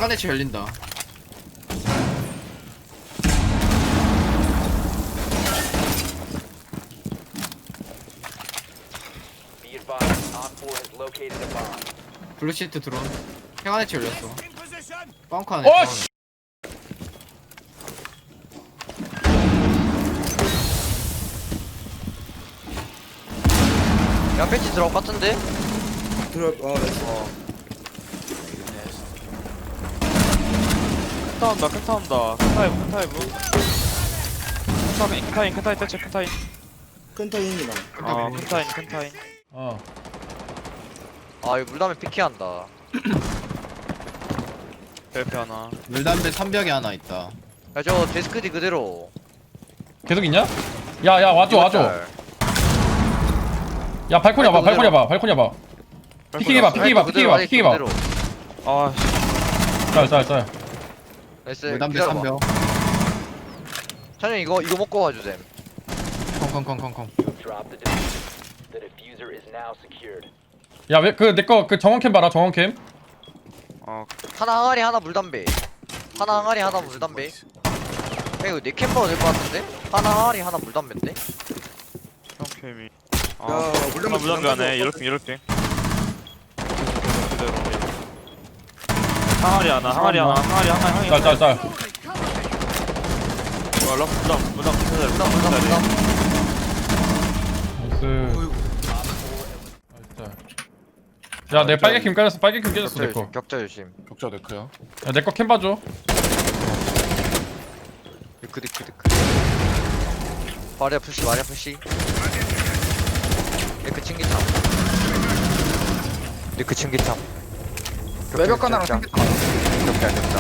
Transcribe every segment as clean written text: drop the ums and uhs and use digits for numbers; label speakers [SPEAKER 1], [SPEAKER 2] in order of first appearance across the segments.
[SPEAKER 1] 빨간 대치 열린다.
[SPEAKER 2] Be advised, Op 4 has located a bomb.
[SPEAKER 1] 블루시트 드론. 빨간 대치 열렸어. 뻥커 안에.
[SPEAKER 3] 어, 씨.
[SPEAKER 4] 야 패치 들어올 것 같은데?
[SPEAKER 5] 큰타 온다 큰타 온다 큰타이브 큰타인 대체 큰타인
[SPEAKER 6] 큰타인이나
[SPEAKER 5] 큰타인
[SPEAKER 3] 어.
[SPEAKER 4] 아 이거 물담에 피키한다.
[SPEAKER 5] 벨페 하나
[SPEAKER 1] 물담배 3벽에 하나 있다.
[SPEAKER 4] 야 저 데스크디 그대로.
[SPEAKER 3] 계속 있냐? 야야 와줘 와줘. 야 발코니 와봐 발코니 와봐 발코니 와봐. 피킹 해봐 피킹 해봐 피킹 해봐 피킹 해봐.
[SPEAKER 5] 아씨
[SPEAKER 3] 짤짤짤.
[SPEAKER 4] 나이스.
[SPEAKER 1] 물담배
[SPEAKER 4] 기다려봐.
[SPEAKER 1] 3벽.
[SPEAKER 4] 찬영 이거 먹고 와주셈.
[SPEAKER 1] 콩콩콩콩콩.
[SPEAKER 2] You have dropped the diffuser. The diffuser is now secured.
[SPEAKER 3] 야 왜 그 내거 그 정원캠 봐라 정원캠.
[SPEAKER 4] 하나 항아리 하나 물담배. 하나 항아리 하나 물담배. 야 이거 네 캠버가 될 것 같은데? 하나 항아리 하나 물담배인데?
[SPEAKER 5] 형캠이
[SPEAKER 6] 야
[SPEAKER 5] 물담배 안해 이렇게 그대로 항아리 하나 항아리
[SPEAKER 3] 짤짤짤.
[SPEAKER 5] 물담
[SPEAKER 4] 물담
[SPEAKER 3] 나이스. 야내 빨개킴 깔렸어 빨개킴 깨졌어 내거.
[SPEAKER 4] 격자 조심.
[SPEAKER 6] 격자 네크야.
[SPEAKER 3] 야 내 거 캠 봐줘.
[SPEAKER 4] 디크 마리아 푸시 리크 칭기탐
[SPEAKER 6] 외벽 하나랑 생겼다.
[SPEAKER 4] 격자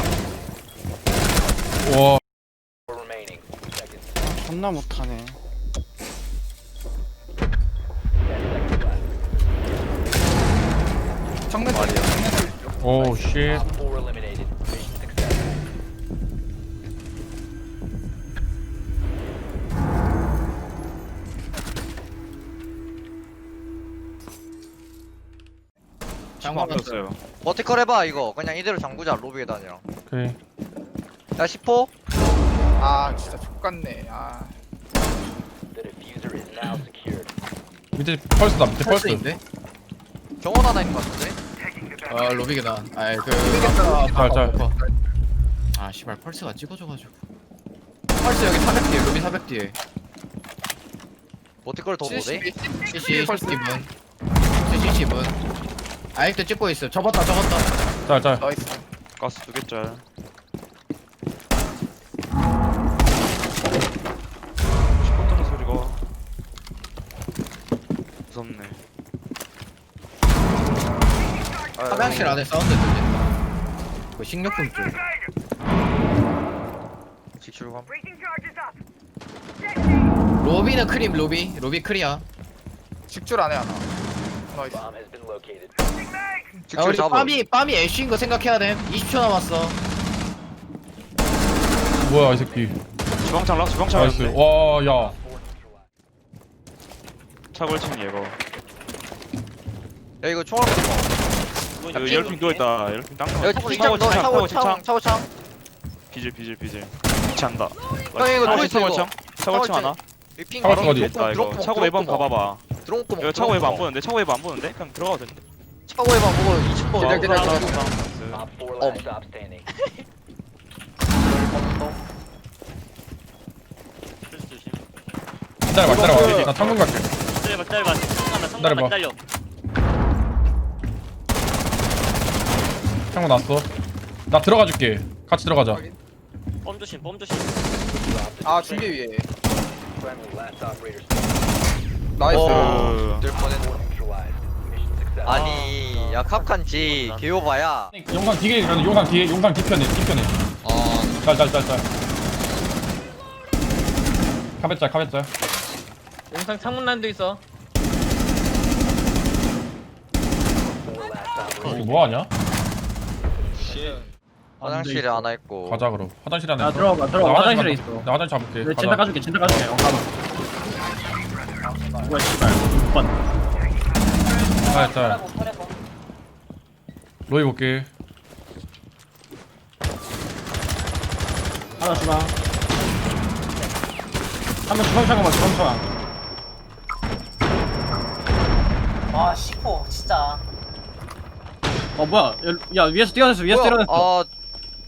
[SPEAKER 3] 와.
[SPEAKER 2] 4 remaining. Seconds.
[SPEAKER 6] 존나 못하네.
[SPEAKER 2] 10 seconds left.
[SPEAKER 6] 정면
[SPEAKER 4] 마리아.
[SPEAKER 3] 오 쉣.
[SPEAKER 2] Op 4 eliminated. Mission success.
[SPEAKER 5] 장관 없었어요
[SPEAKER 4] 버티컬 해봐 이거 그냥 이대로 잠그자 로비에 다니랑.
[SPEAKER 3] 오케이.
[SPEAKER 4] 야 10호.
[SPEAKER 6] 아 진짜 족같네. 아
[SPEAKER 2] The diffuser is now secured.
[SPEAKER 3] 밑에 펄스다 밑에 펄스.
[SPEAKER 1] 펄스인데?
[SPEAKER 4] 정원 하나 있는 것 같은데?
[SPEAKER 1] 아 로비 계단. 아이 그.
[SPEAKER 3] 짤짤.
[SPEAKER 1] 아 씨발 펄스가 찍어줘가지고. 펄스 여기 400 뒤에 로비 400 뒤에.
[SPEAKER 4] 버티컬 더 보네?
[SPEAKER 1] CC 펄스 기분. CC 10분. 아직도 찍고 있어. 접었다.
[SPEAKER 3] 짤짤.
[SPEAKER 6] 나이스.
[SPEAKER 5] 가스 2개짜리 시끄럽다는 소리가 무섭네
[SPEAKER 1] 화장실 안에 사운드 들린다. 그 식료품 쪽.
[SPEAKER 4] 직출감.
[SPEAKER 1] 로비는 크림 로비 크리야.
[SPEAKER 6] 직줄 안에 하나. 나이스.
[SPEAKER 2] Bomb has been located.
[SPEAKER 1] 야,
[SPEAKER 4] 직출
[SPEAKER 1] 우리
[SPEAKER 4] 잡아.
[SPEAKER 1] 빰이 애쉬인 거 생각해야 돼. 20초 남았어.
[SPEAKER 3] 뭐야 이 새끼.
[SPEAKER 5] 주방창
[SPEAKER 3] 나이스.
[SPEAKER 5] 주방창이었는데
[SPEAKER 3] 와 야.
[SPEAKER 5] 차골칭 얘거
[SPEAKER 4] 야 이거 총알 쏘지 마.
[SPEAKER 5] 그 열핑 누워있다 열핑 땅
[SPEAKER 4] 야 직장 너 차고창.
[SPEAKER 5] 비질 미치한다
[SPEAKER 4] 형 이거 누워있어
[SPEAKER 5] 차골창 차골창 하나
[SPEAKER 4] 핑
[SPEAKER 3] 차고 어디?
[SPEAKER 5] 있다 이거 차고 외방 가봐봐
[SPEAKER 4] 드론 구멍.
[SPEAKER 5] 이거 차고 외방 안 보는데 차고 외방 안 보는데 그냥 들어가도 되는데
[SPEAKER 4] 차고 해봐 보고 2층 거.
[SPEAKER 1] 기다려.
[SPEAKER 2] Op 4 last stop standing.
[SPEAKER 3] 기다려봐. 나 창문 갈게.
[SPEAKER 7] 기다려봐.
[SPEAKER 3] 기다려봐.
[SPEAKER 7] 기다려.
[SPEAKER 3] 창문 났어. 나 들어가 줄게. 같이 들어가자.
[SPEAKER 7] bom 조심.
[SPEAKER 6] 아 중계 위에.
[SPEAKER 2] Friendly last operator
[SPEAKER 6] 나이스.
[SPEAKER 5] 어.
[SPEAKER 4] 될 뻔했네.
[SPEAKER 2] neutralized. Mission success.
[SPEAKER 4] 아니 야 캅칸지 개요봐야.
[SPEAKER 3] 용산 뒤에 가는 용산 뒤에 용산 뒤편에. 짤짤짤짤. 카베짤.
[SPEAKER 7] 영상 창문 난도 있어.
[SPEAKER 2] 4 last operator.
[SPEAKER 3] 이거 뭐 하냐?
[SPEAKER 4] 화장실에 하나 있고.
[SPEAKER 3] 가자 그럼. 화장실 안에.
[SPEAKER 7] 야, 들어가. 화장실에 있어.
[SPEAKER 3] 나 화장실 잡을게.
[SPEAKER 7] 네,
[SPEAKER 3] 가자.
[SPEAKER 7] 진짜 가줄게. 뭐야, 씨발. 6번.
[SPEAKER 3] 짤. 로이 볼게.
[SPEAKER 7] 하나 주방. 한번 주방 잠깐만 주방 잠깐.
[SPEAKER 8] 아 시포 진짜.
[SPEAKER 7] 뭐야? 야 위에서 뛰어냈어. 위에서 뛰어냈어.
[SPEAKER 4] 아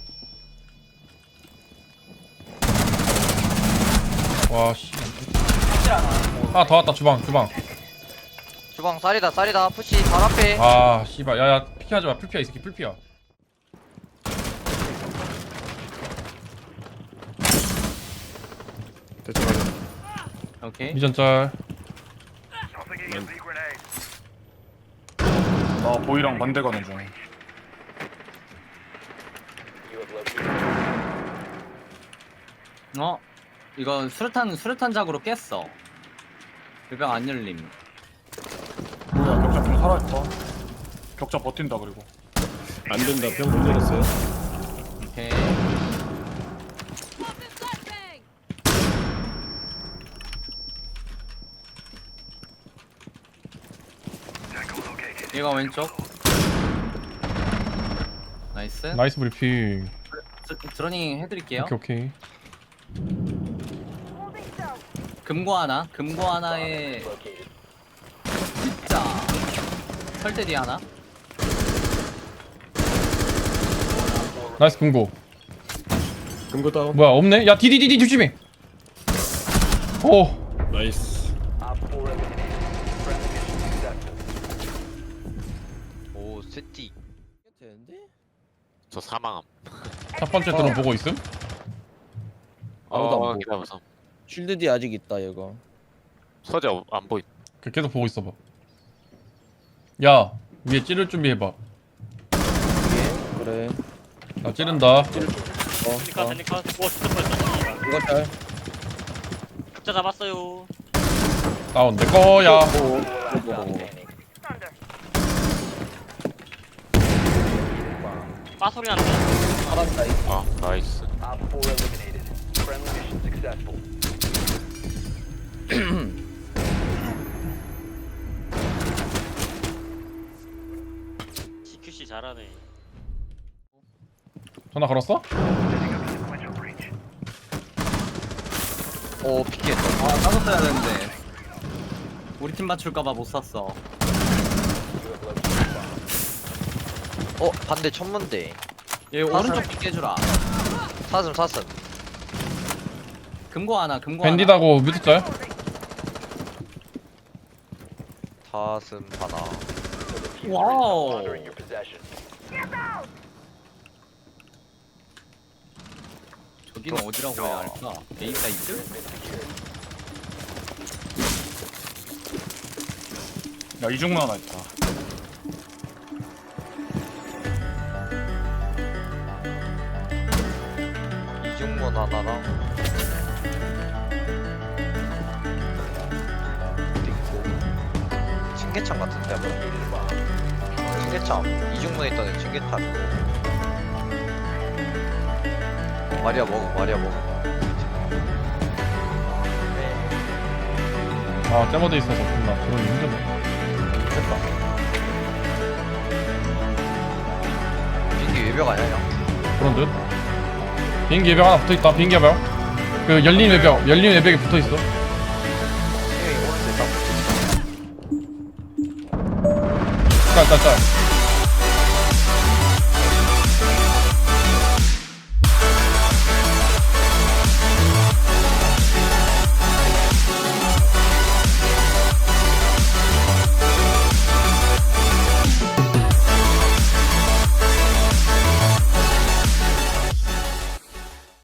[SPEAKER 3] 와 씨.
[SPEAKER 8] 확실 않아.
[SPEAKER 3] 하나 더 왔다 주방.
[SPEAKER 4] 주방 쌀이다 푸시 발 앞에.
[SPEAKER 3] 아 씨발 야야 피하지 마. 풀피야 이 새끼 풀피야.
[SPEAKER 7] 오케이.
[SPEAKER 3] 미전 짤.
[SPEAKER 9] 보이랑 반대 가는 중.
[SPEAKER 2] You have located.
[SPEAKER 7] 이거 수류탄 작으로 깼어. 배병 안 열림.
[SPEAKER 9] 뭐야 격자 좀 살아있다. 격자 버틴다 그리고.
[SPEAKER 10] 안 된다. 병 문제였어요.
[SPEAKER 7] 오케이. 얘가 왼쪽. 나이스.
[SPEAKER 3] 나이스 브리핑.
[SPEAKER 7] 드러닝 해드릴게요.
[SPEAKER 3] 오케이.
[SPEAKER 7] 금고 하나에
[SPEAKER 2] Located.
[SPEAKER 7] 진짜 설대 뒤에 하나.
[SPEAKER 3] 나이스 금고.
[SPEAKER 10] 금고 다운.
[SPEAKER 3] 뭐야 없네? 야 디디디디 조심해. 오.
[SPEAKER 10] 나이스.
[SPEAKER 2] Op 4 eliminated. Friendly mission successful.
[SPEAKER 4] 오 세티.
[SPEAKER 11] 저 사망함.
[SPEAKER 3] 첫 번째 드론 보고 있음?
[SPEAKER 10] 아무도 안 보고.
[SPEAKER 11] 기다려서.
[SPEAKER 10] 쉴드 뒤 아직 있다 얘가.
[SPEAKER 11] 서재 안 보이.
[SPEAKER 3] 계속 보고 있어봐. 야 위에 찌를 준비해봐.
[SPEAKER 10] 그래.
[SPEAKER 3] 나 찌른다.
[SPEAKER 7] 데니카. 오 진짜 뻔했다.
[SPEAKER 10] 이거 잘.
[SPEAKER 7] 각자 잡았어요.
[SPEAKER 3] 다운 내 거야.
[SPEAKER 2] Last stop standing.
[SPEAKER 7] 빠 소리 난다.
[SPEAKER 10] 살았다.
[SPEAKER 11] 아 나이스.
[SPEAKER 2] Op 4 eliminated. Friendly mission successful.
[SPEAKER 7] CQC 잘하네.
[SPEAKER 3] 전화 걸었어?
[SPEAKER 4] 오 피켓.
[SPEAKER 7] 따로 써야 되는데. 우리 팀 맞출까봐 못 샀어.
[SPEAKER 2] You have located bomb.
[SPEAKER 4] 반대 천문대.
[SPEAKER 7] 얘 오른쪽 빗 깨주라.
[SPEAKER 4] 사슴.
[SPEAKER 7] 금고 하나.
[SPEAKER 3] 밴디다고 뮤트 짤?
[SPEAKER 4] 사슴 하나.
[SPEAKER 2] The diffuser is
[SPEAKER 7] Wow.
[SPEAKER 2] no longer in your possession.
[SPEAKER 7] 저기는 어디라고 해야 할까? A 사이트?
[SPEAKER 2] Has been secured.
[SPEAKER 9] 야 이중문 하나 있다.
[SPEAKER 4] 이중문 하나랑. 어디 있고. 층계창 같은데 뭐.
[SPEAKER 2] Located a bomb.
[SPEAKER 4] 층계창. 이중문에 있던 층계창. 마리아 먹어.
[SPEAKER 3] 아 째머드 있어서 존나 드론이 힘드네. 됐다.
[SPEAKER 4] 비행기 외벽 아니야 형?
[SPEAKER 3] 그런 듯. 비행기 외벽 하나 붙어있다. 비행기 외벽. 그 열린 외벽에 붙어있어.
[SPEAKER 4] 형이 오른쪽에 딱
[SPEAKER 3] 짤.